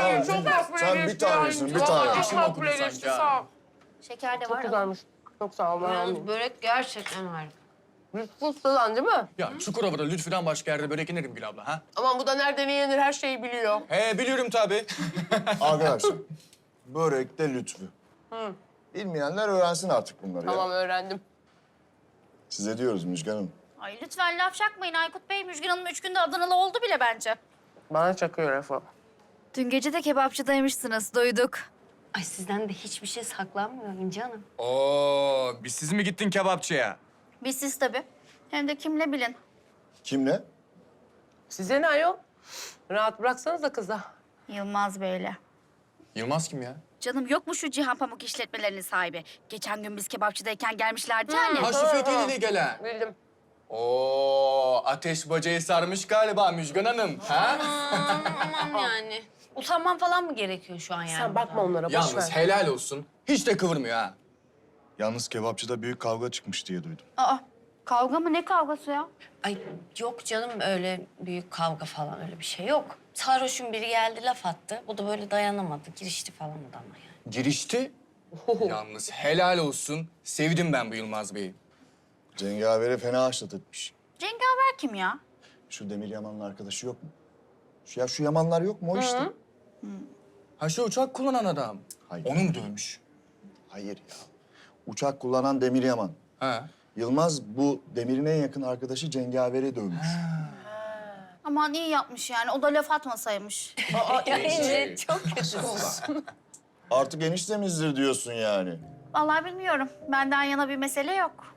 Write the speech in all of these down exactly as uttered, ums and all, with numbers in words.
ederim. Çok Sen makbule bir geçti. tanesin, bir Vallahi tane. Çok makbule geçti, sağ ol. Şeker de Çok var. güzelmiş. Çok sağ ol. Ben Yalnız almayayım. börek gerçekten harika. Fıstıdan değil mi? Ya Çukurova'da Lütfü'den başka yerde börek yenir mi Gül abla ha? Aman bu da nereden yenir her şeyi biliyor. He biliyorum tabii. Arkadaşlar, börekte Lütfü. Bilmeyenler öğrensin artık bunları Tamam ya. öğrendim. Size diyoruz Müjgan Hanım. Ay lütfen laf çakmayın Aykut Bey. Müjgan Hanım üç günde Adanalı oldu bile bence. Bana çakıyor Refo. Dün gece de kebapçıdaymışsınız, duyduk. Ay sizden de hiçbir şey saklanmıyor İnci Hanım. Oo, biz siz mi gittin kebapçıya? Biz siz tabii. Hem de kimle bilin. Kimle? Size ne ayol? Rahat bıraksanız da kıza. Yılmaz Bey'le. Yılmaz kim ya? Canım yok mu şu Cihan Pamuk işletmelerinin sahibi? Geçen gün biz kebapçıdayken gelmişlerdi yani. Ha şu Fethiye'yle gelen. Bildim. Oo, ateş bacayı sarmış galiba Müjgan Hanım. Ha? Tamam yani. Utanmam falan mı gerekiyor şu an yani? Sen bakma onlara, boş Yalnız ver. helal olsun. Hiç de kıvırmıyor ha. Yalnız kebapçıda büyük kavga çıkmış diye duydum. Aa, kavga mı? Ne kavgası ya? Ay yok canım öyle büyük kavga falan öyle bir şey yok. Sarhoşun biri geldi laf attı. Bu da böyle dayanamadı. Girişti falan adama yani. Girişti. Yalnız helal olsun. Sevdim ben bu Yılmaz Bey'i. Cengavere fena haşlat etmiş. Cengaver kim ya? Şu Demir Yaman'ın arkadaşı yok mu? Şu, ya şu Yamanlar yok mu o işte? Ha şu uçak kullanan adam. Hayır. Onu mu dövmüş? Hayır ya. Uçak kullanan Demir Yaman. Ha. Yılmaz bu Demir'in en yakın arkadaşı Cengavere dövmüş. Aman iyi yapmış yani. O da laf atmasaymış. Ya İnci çok kötü. Artık eniştemizdir diyorsun yani. Vallahi bilmiyorum. Benden yana bir mesele yok.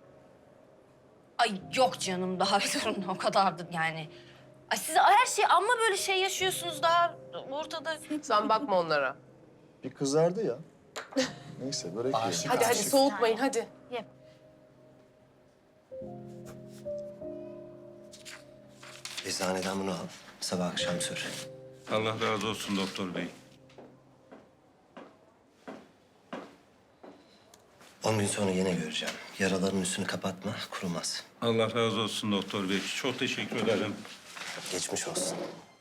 Ay yok canım daha bir durun o kadardı yani. Ay siz her şey amma böyle şey yaşıyorsunuz daha ortada. Sen bakma onlara. Bir kızardı ya. Neyse börek yiyelim. Aşık Hadi hadi aşık. soğutmayın hadi. Ye. Eczaneden bunu al. Sabah akşam sür. Allah razı olsun doktor bey. On gün sonra yine göreceğim. Yaraların üstünü kapatma, kurumaz. Allah razı olsun doktor bey. Çok teşekkür ederim. Geçmiş olsun.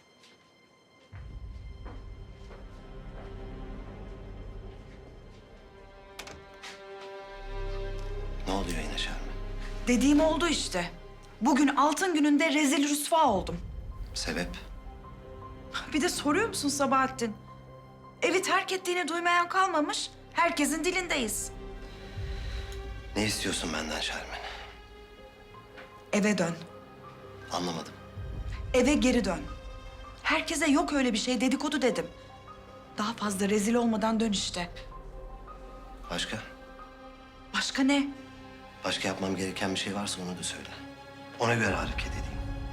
Ne oluyor yine Şermin? Dediğim oldu işte. Bugün altın gününde rezil rüsva oldum. Sebep? Bir de soruyor musun Sabahattin? Evi terk ettiğini duymayan kalmamış. Herkesin dilindeyiz. Ne istiyorsun benden Şermin? Eve dön. Anlamadım. Eve geri dön. Herkese yok öyle bir şey dedikodu dedim. Daha fazla rezil olmadan dön işte. Başka? Başka ne? Başka yapmam gereken bir şey varsa onu da söyle. Ona göre hareket edeyim.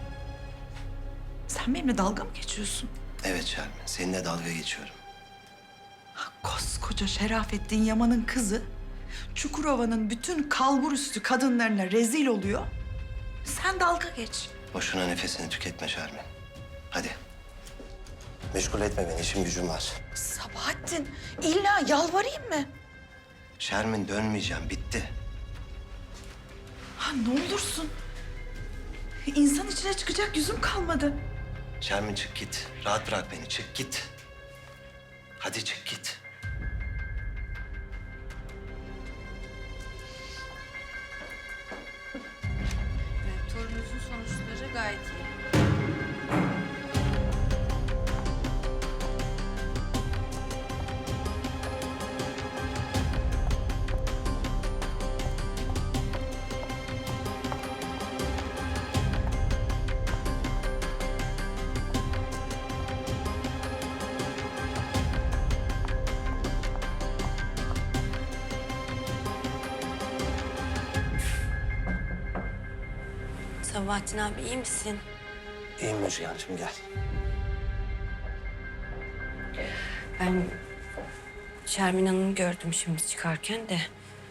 Sen benimle dalga mı geçiyorsun? Evet Şermin, seninle dalga geçiyorum. Koskoca Şerafettin Yaman'ın kızı Çukurova'nın bütün kalburüstü kadınlarına rezil oluyor. Sen dalga geç. Boşuna nefesini tüketme Şermin. Hadi. Meşgul etme beni, işim gücüm var. Sabahattin, illa yalvarayım mı? Şermin dönmeyeceğim, bitti. Ha ne olursun. İnsan içine çıkacak yüzüm kalmadı. Şermin çık git. Rahat bırak beni, çık git. Hadi çık git. Evet, torununuzun sonuçları gayet iyi. Sabahattin abi iyi misin? İyiyim Müjgan'cığım, gel. Ben Şermin Hanım'ı gördüm şimdi çıkarken de.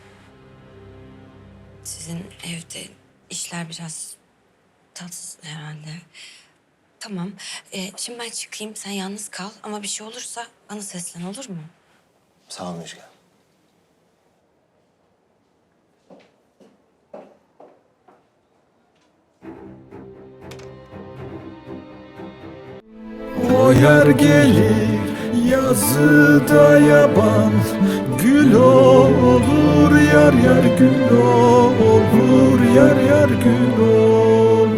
Sizin evde işler biraz tatsız herhalde. Tamam. Ee, şimdi ben çıkayım. Sen yalnız kal. Ama bir şey olursa bana seslen olur mu? Sağ ol Müjgan. O yer gelir Yazıda yaban gül olur, yar yar gül olur, yar yar gül olur.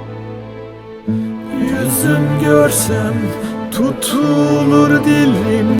Yüzüm görsem tutulur dilim.